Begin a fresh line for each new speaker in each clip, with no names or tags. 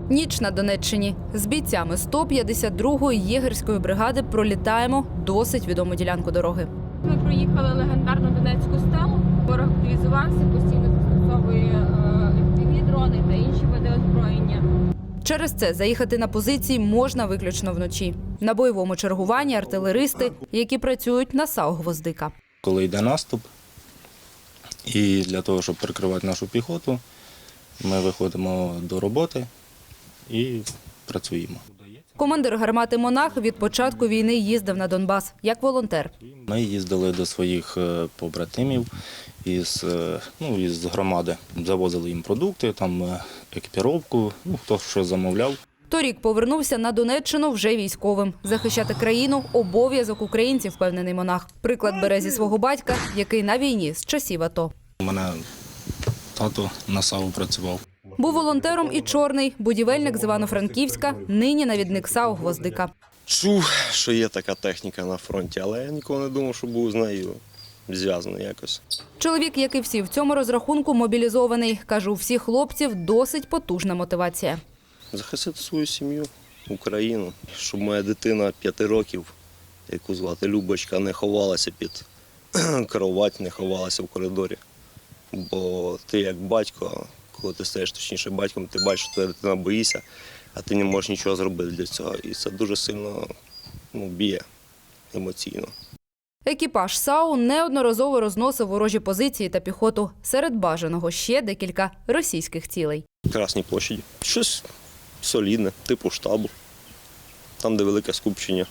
Ніч на Донеччині. З бійцями 152-ї єгерської бригади пролітаємо досить відому ділянку дороги.
Ми проїхали легендарну Донецьку стелу. Ворог активізувався, постійно застосовує FPV-дрони та інші види озброєння.
Через це заїхати на позиції можна виключно вночі. На бойовому чергуванні артилеристи, які працюють на САУ «Гвоздика».
Коли йде наступ, і для того, щоб прикривати нашу піхоту, ми виходимо до роботи і працюємо.
Командир гармати «Монах» від початку війни їздив на Донбас як волонтер.
Ми їздили до своїх побратимів із громади, завозили їм продукти, там екіпіровку, хто що замовляв.
Торік повернувся на Донеччину вже військовим. Захищати країну – обов'язок українців, впевнений «Монах». Приклад бере зі свого батька, який на війні з часів АТО.
У мене тато на САУ працював.
Був волонтером і Чорний, будівельник з Івано-Франківська, нині навідник САУ «Гвоздика».
Чув, що є така техніка на фронті, але я ніколи не думав, що був з нею зв'язаний якось.
Чоловік, як і всі в цьому розрахунку, мобілізований. Каже, у всіх хлопців досить потужна мотивація.
Захистити свою сім'ю, Україну, щоб моя дитина 5 років, яку звати Любочка, не ховалася під кровать, не ховалася в коридорі. Бо ти як батько, коли ти стаєш точніше батьком, ти бачиш, що твоя дитина боїться, а ти не можеш нічого зробити для цього. І це дуже сильно б'є емоційно.
Екіпаж САУ неодноразово розносив ворожі позиції та піхоту. Серед бажаного ще декілька російських цілей.
Красній площаді. Щось солідне, типу штабу. Там, де велике скупчення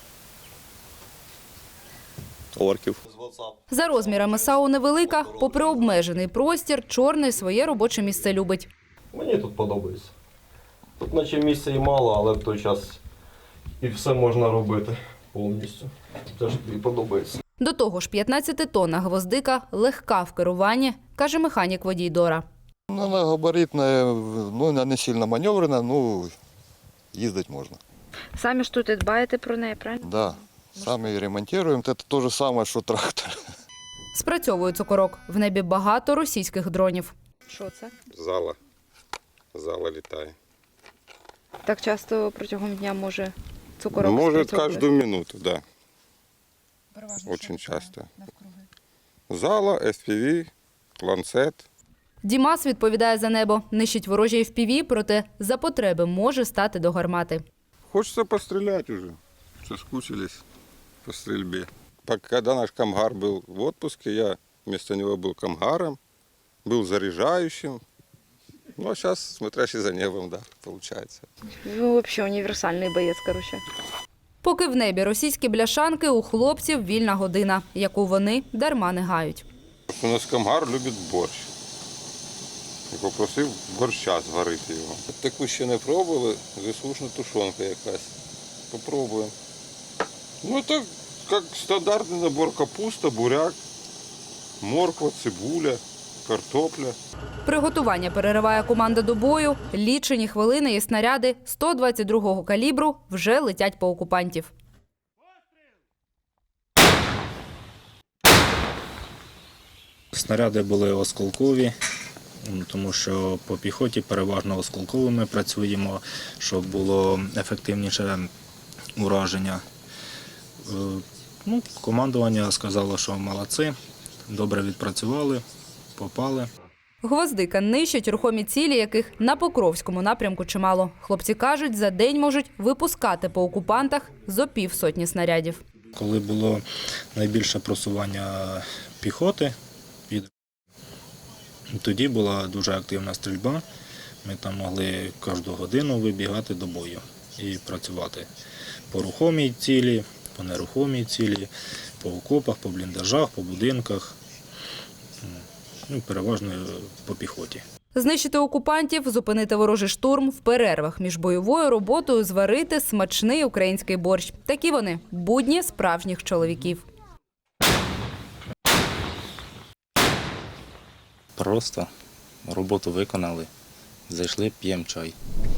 орків.
За розмірами САУ невелика, попри обмежений простір, Чорний своє робоче місце любить.
Мені тут подобається. Тут наче місця і мало, але в той час і все можна робити повністю. Це ж тобі подобається.
До того ж, 15-тонна «Гвоздика» легка в керуванні, каже механік-водій Дора.
Вона габаритна, не сильно маневрена, їздити можна.
Самі ж тут і дбаєте про неї, правильно?
Да, самі її ремонтуємо. Це те ж саме, що трактор.
Спрацьовує цукорок. В небі багато російських дронів.
Що це?
Зала літає.
Так часто протягом дня може цукорок
Может,
спрацьовувати?
каждую минуту, да. Очень часто. Зала, FPV, ланцет.
Дімас відповідає за небо. Нищить ворожі FPV, проте за потреби може стати до гармати.
Хочется пострелять уже. Соскучились по стрельбе. Когда наш комгар был в отпуске, я вместо него был комгаром, был заряжающим. Ну, а сейчас смотрящий за небом, да, получается.
Ну, взагалі універсальний боєць, коротше.
Поки в небі російські бляшанки, у хлопців вільна година, яку вони дарма не гають.
У нас комгар любить борщ. І попросив борща зварити його. Таку ще не пробували, заслушна тушонка якась. Попробуємо. Ну, це як стандартний набор: капуста, буряк, морква, цибуля, картопля.
Приготування перериває команда до бою. Лічені хвилини і снаряди 122-го калібру вже летять по окупантів.
Снаряди були осколкові, тому що по піхоті переважно осколковими працюємо, щоб було ефективніше ураження. Командування сказало, що молодці, добре відпрацювали, попали.
«Гвоздика» нищить рухомі цілі, яких на Покровському напрямку чимало. Хлопці кажуть, за день можуть випускати по окупантах зо півсотні снарядів.
Коли було найбільше просування піхоти, тоді була дуже активна стрільба. Ми там могли кожну годину вибігати до бою і працювати по рухомій цілі, по нерухомій цілі, по окопах, по бліндажах, по будинках, переважно по піхоті.
Знищити окупантів, зупинити ворожий штурм, в перервах між бойовою роботою зварити смачний український борщ. Такі вони – будні справжніх чоловіків.
Просто роботу виконали, зайшли, п'ємо чай.